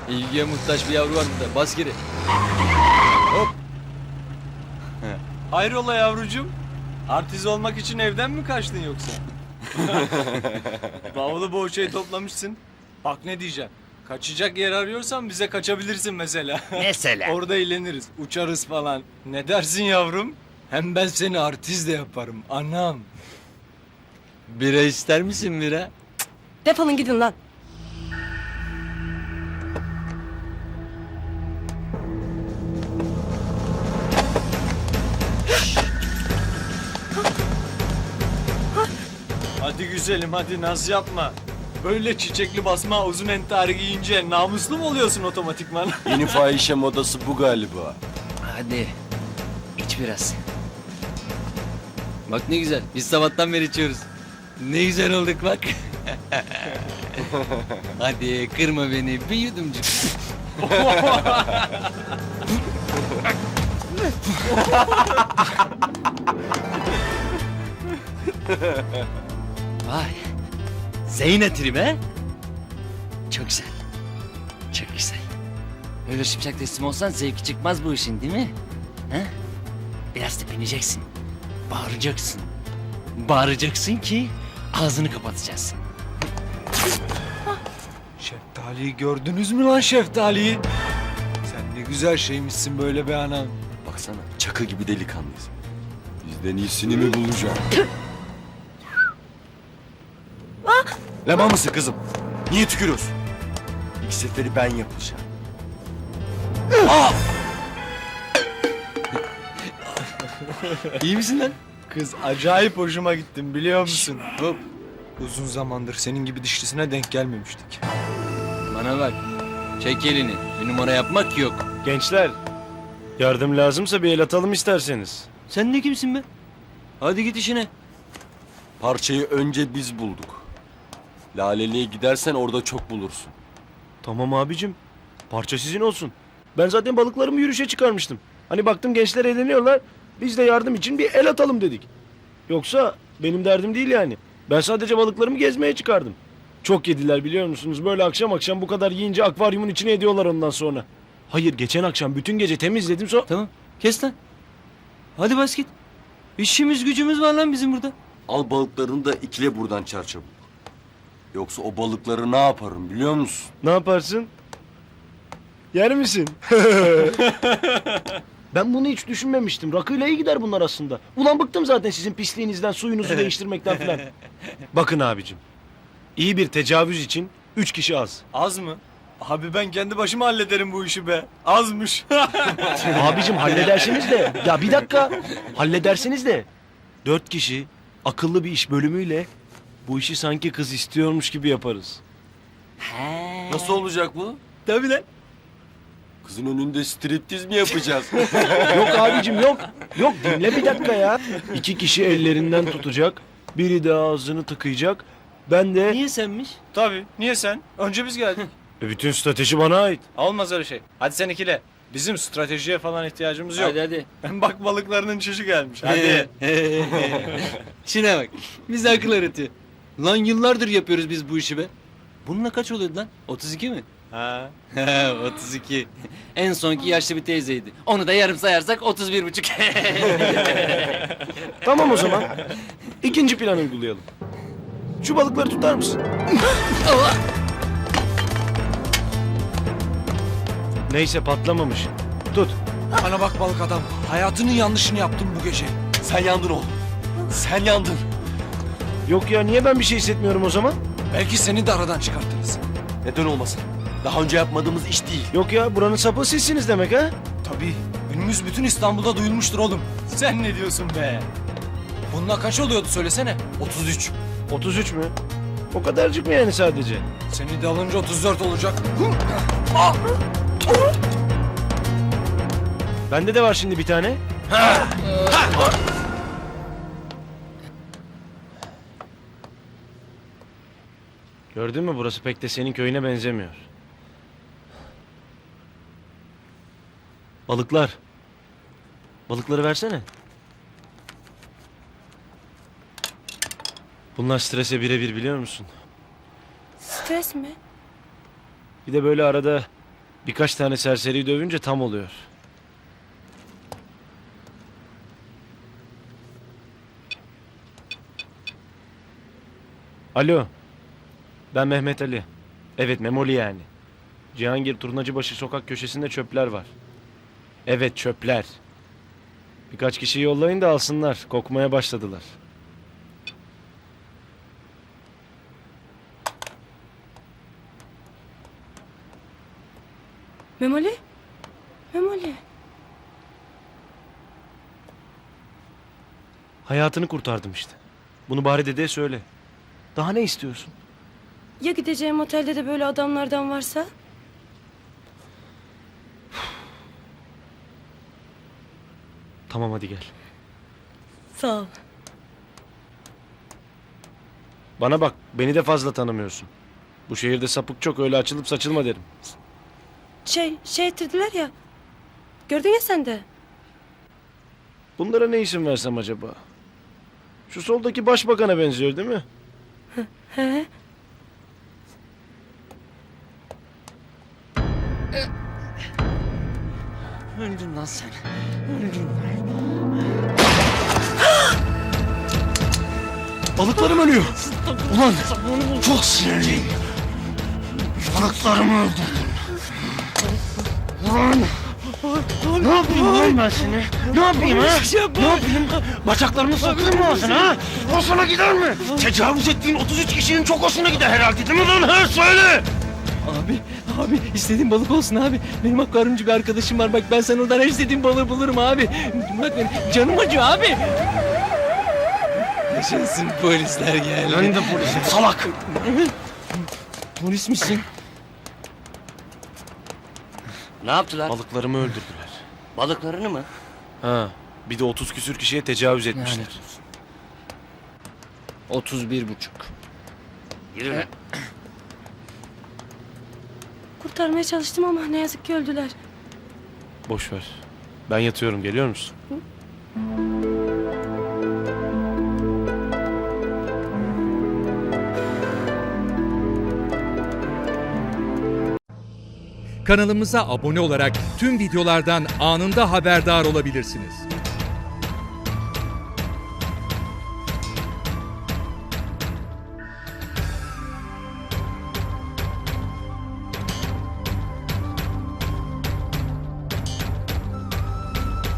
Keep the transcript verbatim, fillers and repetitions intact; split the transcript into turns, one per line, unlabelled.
İlgiye muhtaç bir yavru var burada. Bas geri. Hop.
Hayrola yavrucuğum? Artist olmak için evden mi kaçtın yoksa? Bavulu boğuşayı toplamışsın. Bak ne diyeceğim. Kaçacak yer arıyorsan bize kaçabilirsin mesela.
Mesela?
Orada eğleniriz, uçarız falan. Ne dersin yavrum? Hem ben seni artist de yaparım anam.
Bira ister misin bira?
Defolun gidin lan.
Hadi güzelim hadi naz yapma. Böyle çiçekli basma uzun entari giyince namuslu mu oluyorsun otomatikman?
Yeni fahişe modası bu galiba.
Hadi. İç biraz. Bak ne güzel. Biz sabahtan beri içiyoruz. Ne güzel olduk bak. Hadi kırma beni. Bir yudumcuk. Vay. Zeynep be. Çok güzel. Çok güzel. Öyle şıpşak teslim olsan zevki çıkmaz bu işin değil mi? Ha? Biraz tepineceksin. Bağıracaksın. Bağıracaksın ki ağzını kapatacaksın.
Şeftaliyi gördünüz mü lan şeftaliyi? Sen ne güzel şeymişsin böyle be anam.
Baksana çakı gibi delikanlıyız. Bizden iyisini mi bulacağım? Leman mısın kızım? Niye tükürüyorsun? İlk seferi ben yapacağım.
İyi misin lan?
Kız acayip hoşuma gittin biliyor musun? Hop. Uzun zamandır senin gibi dişlisine denk gelmemiştik.
Bana bak. Çek elini. Bir numara yapmak yok.
Gençler, yardım lazımsa bir el atalım isterseniz.
Sen ne kimsin be? Hadi git işine.
Parçayı önce biz bulduk. Laleli'ye gidersen orada çok bulursun.
Tamam abicim, parça sizin olsun. Ben zaten balıklarımı yürüyüşe çıkarmıştım. Hani baktım gençler eğleniyorlar, biz de yardım için bir el atalım dedik. Yoksa benim derdim değil yani. Ben sadece balıklarımı gezmeye çıkardım. Çok yediler biliyor musunuz? Böyle akşam akşam bu kadar yiyince akvaryumun içine ediyorlar ondan sonra. Hayır, geçen akşam bütün gece temizledim sonra...
Tamam. Kes lan. Hadi bas git. İşimiz gücümüz var lan bizim burada.
Al balıklarını da ikile buradan çarçabuk. Yoksa o balıkları ne yaparım biliyor musun?
Ne yaparsın? Yer misin? Ben bunu hiç düşünmemiştim. Rakıyla iyi gider bunlar aslında. Ulan bıktım zaten sizin pisliğinizden, suyunuzu değiştirmekten falan. Bakın abicim. İyi bir tecavüz için üç kişi az.
Az mı? Abi ben kendi başıma hallederim bu işi be. Azmış.
Abicim halledersiniz de. Ya bir dakika. Halledersiniz de. Dört kişi akıllı bir iş bölümüyle bu işi sanki kız istiyormuş gibi yaparız.
Nasıl olacak bu?
Tabii lan.
Kızın önünde striptiz mi yapacağız?
Yok abicim yok. Yok dinle bir dakika ya. İki kişi ellerinden tutacak. Biri de ağzını tıkayacak. Ben de...
Niye senmiş?
Tabii. Niye sen? Önce biz geldik.
E, bütün strateji bana ait.
Olmaz öyle şey. Hadi sen ikile. Bizim stratejiye falan ihtiyacımız yok.
Hadi hadi.
Bak balıklarının çişi gelmiş. Hadi.
Şuna bak. Bize akıl öğretiyor. Lan yıllardır yapıyoruz biz bu işi be. Bununla kaç oluyordu lan? otuz iki mi?
Ha.
He, otuz iki. En sonki yaşlı bir teyzeydi. Onu da yarım sayarsak otuz bir buçuk.
Tamam o zaman. İkinci planı uygulayalım. Şu balıkları tutar mısın? Neyse patlamamış. Tut.
Bana bak balık adam. Hayatının yanlışını yaptın bu gece.
Sen yandın oğlum. Sen yandın.
Yok ya niye ben bir şey hissetmiyorum o zaman?
Belki seni de aradan çıkartırız.
Neden olmasın? Daha önce yapmadığımız iş değil.
Yok ya buranın sapı sizsiniz demek ha?
Tabii. Ünümüz bütün İstanbul'da duyulmuştur oğlum. Sen ne diyorsun be? Bununla kaç oluyordu söylesene? otuz üç.
otuz üç mü? O kadarcık mı yani sadece?
Seni de alınca otuz dört olacak.
Bende de var şimdi bir tane. Gördün mü burası pek de senin köyüne benzemiyor. Balıklar. Balıkları versene. Bunlar strese birebir biliyor musun?
Stres mi?
Bir de böyle arada Birkaç tane serseriyi dövünce tam oluyor. Alo. Ben Mehmet Ali. Evet, Memoli yani. Cihangir Turnacıbaşı sokak köşesinde çöpler var. Evet, çöpler. Birkaç kişiyi yollayın da alsınlar. Kokmaya başladılar.
Memoli? Memoli.
Hayatını kurtardım işte. Bunu bari dedeye söyle. Daha ne istiyorsun?
Ya gideceğim otelde de böyle adamlardan varsa?
Tamam, hadi gel.
Sağ ol.
Bana bak, beni de fazla tanımıyorsun. Bu şehirde sapık çok, öyle açılıp saçılma derim.
Şey, şey ettirdiler ya. Gördün ya sen de.
Bunlara ne isim versem acaba? Şu soldaki başbakana benziyor değil mi?
He.
Öldün lan sen. Öldün lan.
Balıklarım ölüyor. Ulan
Çok sinirliyim. Balıklarımı öldürdün. Ulan. Ne yapayım lan ben seni? Ne yapayım ha? Ne yapayım? Bacaklarımı sokayım mı ağzına ha? Hoşuna gider mi? Tecavüz ettiğin otuz üç kişinin çok hoşuna gider herhalde değil mi lan? He söyle.
Abi, abi istediğin balık olsun abi. Benim akvaryumcu bir arkadaşım var. Bak ben sana oradan her istediğin balığı bulurum abi. Bak benim canım acıyor abi. Yaşasın polisler geldi.
Ben de polisim salak.
Polis misin?
Ne yaptılar?
Balıklarımı öldürdüler.
Balıklarını mı?
Ha, bir de otuz küsür kişiye tecavüz etmişler.
Yani. Otuz bir buçuk.
Yürü lan.
Kurtarmaya çalıştım ama ne yazık ki öldüler.
Boş ver. Ben yatıyorum, geliyor musun?
Kanalımıza abone olarak tüm videolardan anında haberdar olabilirsiniz.